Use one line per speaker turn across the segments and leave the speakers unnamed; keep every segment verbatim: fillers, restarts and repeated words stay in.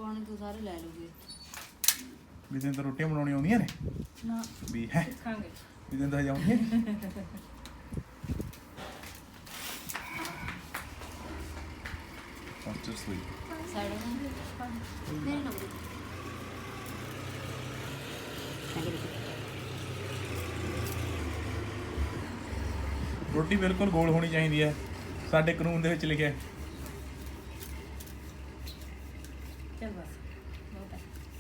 ਪਾਉਣੇ ਤੋਂ ਸਾਰੇ ਲੈ ਲੂਗੇ
ਵੀ ਤੈਨੂੰ ਤਾਂ ਰੋਟੀਆਂ ਬਣਾਉਣੀਆਂ ਆਉਂਦੀਆਂ ਨੇ
ਨਾ
ਵੀ ਹੈ
ਸਿੱਖਾਂਗੇ
ਵੀ ਤੈਨੂੰ ਤਾਂ ਹਜੇ ਆਉਂਦੀਆਂ ਨੀ। After sleep.
ਸਾਈਡ ਨਹੀਂ ਨਾ
ਰੋਟੀ ਬਿਲਕੁਲ ਗੋਲ ਹੋਣੀ ਚਾਹੀਦੀ ਹੈ ਸਾਡੇ ਕਾਨੂੰਨ ਦੇ ਵਿੱਚ ਲਿਖਿਆ।
ਚੱਲ ਬਸ ਬਹੁਤ ਹੈ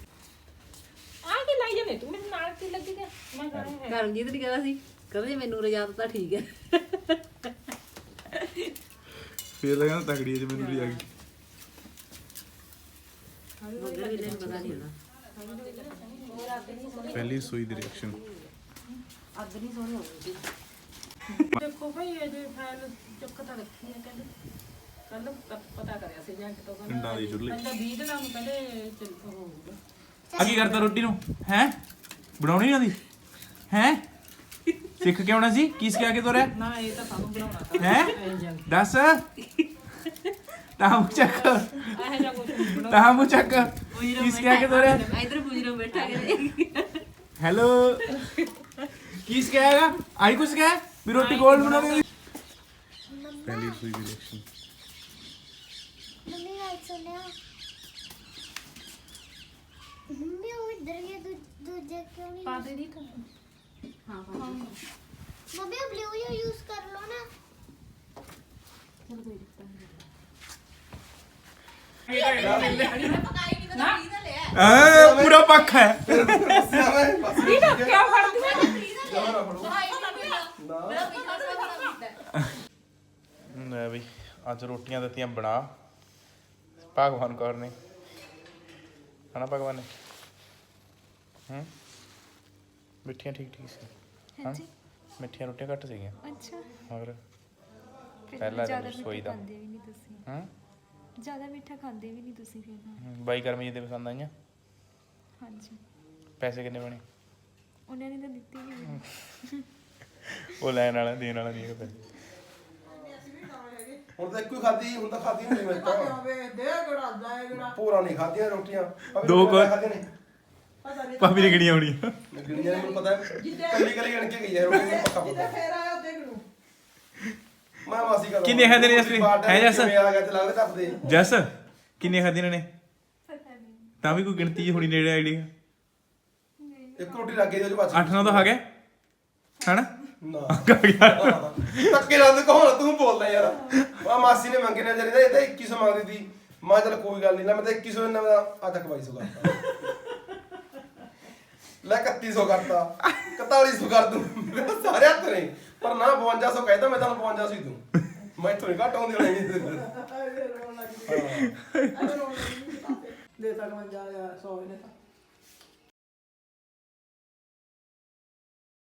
ਆ ਕੀ ਲਾਈ ਜਾਵੇਂ ਤੂੰ ਮੇਰੇ ਨਾਲ ਕੀ ਲੱਗੀ ਗਿਆ ਮੈਂ ਕਹਾਂ ਹੈ
ਕਰਮਜੀਤ ਨੇ ਕਿਹਾ ਸੀ ਕਹਿੰਦੇ ਮੈਨੂੰ ਰਜਾਤ ਤਾਂ ਠੀਕ ਹੈ
ਫੇਰ ਤਾਂ ਕਹਿੰਦਾ ਤਗੜੀ ਜੇ ਮੈਨੂੰ ਵੀ ਆ ਗਈ।
ਮਗਰ ਵੀ ਲੈਣ ਪਤਾ ਨਹੀਂ ਹੁੰਦਾ
ਪਹਿਲੀ ਸੂਈ ਦੀ ਰਿਐਕਸ਼ਨ।
ਅੱਗ ਨਹੀਂ ਸੋਹਣੀ ਹੋਊਗੀ
ਦੇਖੋ ਭਾਈ ਇਹ ਜੇ ਫਾਈਲ ਚੁੱਕ ਤਾਂ ਰੱਖੀ ਹੈ ਕਹਿੰਦੇ ਕੱਲ ਪਤਾ ਕਰਿਆ ਸੀ ਜਾਂ ਕਿਤੋਂ ਕਹਿੰਦਾ
ਪਿੰਡਾਂ ਦੀ ਚੁੱਲ੍ਹੇ।
ਕਹਿੰਦਾ ਵੀਹ ਦਿਨਾਂ ਨੂੰ ਕਹਿੰਦੇ ਚੱਲ ਹੋਊਗਾ
ਆ ਕੀ ਕਰਦਾ ਰੋਟੀ ਨੂੰ ਹੈ ਬਣਾਉਣੀ ਆਉਂਦੀ ਹੈ ਸਿੱਖ ਕੇ ਆਉਣਾ ਸੀ ਕੀ ਸਿਖਾ ਕੇ ਤੋਰਿਆ
ਨਾ ਇਹ ਤਾਂ ਸਾਨੂੰ ਬਣਾਉਣਾ ਤਾਂ
ਹੈ ਦੱਸ ਤਾਂ ਮੂੰਹ ਚੱਕ
ਇਹ ਜਾਂ ਕੁਝ ਬਣਾ
ਤਾਂ ਮੂੰਹ ਚੱਕ ਕੀ ਸਿਖਾ ਕੇ ਤੋਰਿਆ
ਇਧਰ ਪੁਜਰੋ ਬੈਠਾ ਕੇ
ਹੈਲੋ ਕੀ ਸਿਖਾਏਗਾ ਆਈ ਕੁਛ ਸਿਖਾਇਆ ਵੀ ਰੋਟੀ ਗੋਲ ਬਣਾਉਣੀ ਪਹਿਲੀ ਸੂਈ ਦੀ ਰਿਐਕਸ਼ਨ।
मम्मी राइट सुनया मम्मी वो इधर ये दू दूजे क्यों नहीं
ਪਾ ਦੇ ਦੀ ਤਾਂ
ਹਾਂ ਹਾਂ
मम्मी वो ब्लू ये यूज कर लो ना
ਚਲ ਕੋਈ ਦਿੱਕਤ ਨਹੀਂ
ਆ ਪੂਰਾ ਪੱਖ ਹੈ
ਇਹ ਤਾਂ ਕੀ ਫੜਦੀ ਹੈ
ਲੈ ਬਈ ਅੱਜ ਰੋਟੀਆਂ ਦਿੱਤੀਆਂ ਬਣਾ ਭਗਵਾਨ ਕੌਰ ਨੇ ਹਨਾ ਭਗਵਾਨ ਨੇ ਹੂੰ ਮਿੱਠੀਆਂ ਠੀਕ ਠੀਕ ਸੀ ਹਾਂ ਮਿੱਠੀਆਂ ਰੋਟੀਆਂ ਘੱਟ ਸੀਗੀਆਂ
ਅੱਛਾ
ਮਗਰ ਪਹਿਲਾ ਦਿਨ ਰਸੋਈ ਦਾ
ਖਾਂਦੇ ਵੀ ਨਹੀਂ ਤੁਸੀਂ
ਹੂੰ
ਜ਼ਿਆਦਾ ਮਿੱਠਾ ਖਾਂਦੇ ਵੀ ਨਹੀਂ ਤੁਸੀਂ ਫਿਰ ਨਾ
ਬਾਈ ਕਰਮੀ ਜੀ ਦੇ ਪਸੰਦ ਆਈਆਂ
ਹਾਂਜੀ
ਪੈਸੇ ਕਿੰਨੇ ਬਣੇ
ਉਹਨਾਂ ਨੇ ਤਾਂ ਦਿੱਤੀ ਨਹੀਂ
ਉਹ ਲੈਣ ਵਾਲਾ ਦੇਣ ਵਾਲਾ ਨਹੀਂ ਹੈਗਾ ਪੈਸੇ
ਹੁਣ ਤਾਂ ਇੱਕੋ ਹੀ ਖਾਧੀ ਹੁਣ ਤਾਂ ਖਾਧੀ ਨਹੀਂ ਮੈਂ ਤਾਂ
ਦੇ ਗੜਾ ਜਾਏ ਗੜਾ
ਪੂਰਾ ਨਹੀਂ ਖਾਧੀਆਂ ਰੋਟੀਆਂ ਭਾਵੇਂ
ਦੋ ਕੁ-
ਖਾਧੀਆਂ ਨੇ
ਭਾਬੀ ਨੇ ਗਿਣੀਆਂ ਹੋਣੀ
ਗਿਣੀਆਂ ਮੈਨੂੰ ਪਤਾ ਹੈ ਕੱਲੀ ਕੱਲੀ ਗਿਣ ਕੇ ਗਈ ਹੈ ਰੋਟੀ ਨੂੰ ਪੱਕਾ ਪਤਾ
ਫੇਰ ਆਇਆ ਦੇਖ ਲੂ
ਮੈਂ ਮਾਸੀ ਕਰ
ਕਿੰਨੇ ਖਾਧੇ ਨੇ ਅਸਲੀ? ਹੈ ਜੱਸ?
ਮੈਂ ਆ ਗਿਆ ਤੇ ਲੱਗਦਾ ਟੱਪਦੇ
ਜੱਸ ਕਿੰਨੇ ਖਾਧੀਆਂ ਨੇ ਤਾਂ ਵੀ ਕੋਈ ਗਿਣਤੀ ਜਿਹੀ ਹੋਣੀ ਨੇੜੇ ਆਈਡੀਆ
ਇੱਕ ਰੋਟੀ ਲੱਗ ਗਈ ਉਹਦੇ ਬਾਅਦ
ਅੱਠ ਨੌ ਤਾਂ ਖਾ ਗਏ ਹਨਾ
ਨਾ
ਖਾ ਗਿਆ
ਧੱਕੇ ਨਾਲ ਤੂੰ ਕੌਣ ਤੂੰ ਬੋਲਦਾ ਯਾਰ ਆ ਮਾਸੀ ਨੇ ਮੰਗੇ ਨੇ ਜਰੇ ਇਹ ਤਾਂ ਇੱਕੀ ਸੌ ਮੰਗਦੀ ਸੀ ਮੈਂ ਚਲ ਕੋਈ ਗੱਲ ਨਹੀਂ ਨਾ ਮੈਂ ਤਾਂ ਇੱਕੀ ਸੌ ਨਾ ਮੈਂ ਆ ਤੱਕ ਬਾਈ ਸੌ ਕਰਤਾ ਲੈ ਇਕੱਤੀ ਸੌ ਕਰਤਾ ਇਕਤਾਲੀ ਸੌ ਕਰ ਦੂੰ ਮੇਰੇ ਸਾਰੇ ਹੱਥ ਨੇ ਪਰ ਨਾ ਬਵੰਜਾ ਸੌ ਕਹਿੰਦਾ ਮੈਂ ਤੁਹਾਨੂੰ ਬਵੰਜਾ ਸੌ ਹੀ ਦੂੰ ਮੈਂ ਥੋੜੀ ਘੱਟ ਆਉਂਦੀ ਹੋਣੀ ਨਹੀਂ
ਦੇ ਤੱਕ ਮੰਜਾ ਸੌ ਇਹਨੇ ਤਾਂ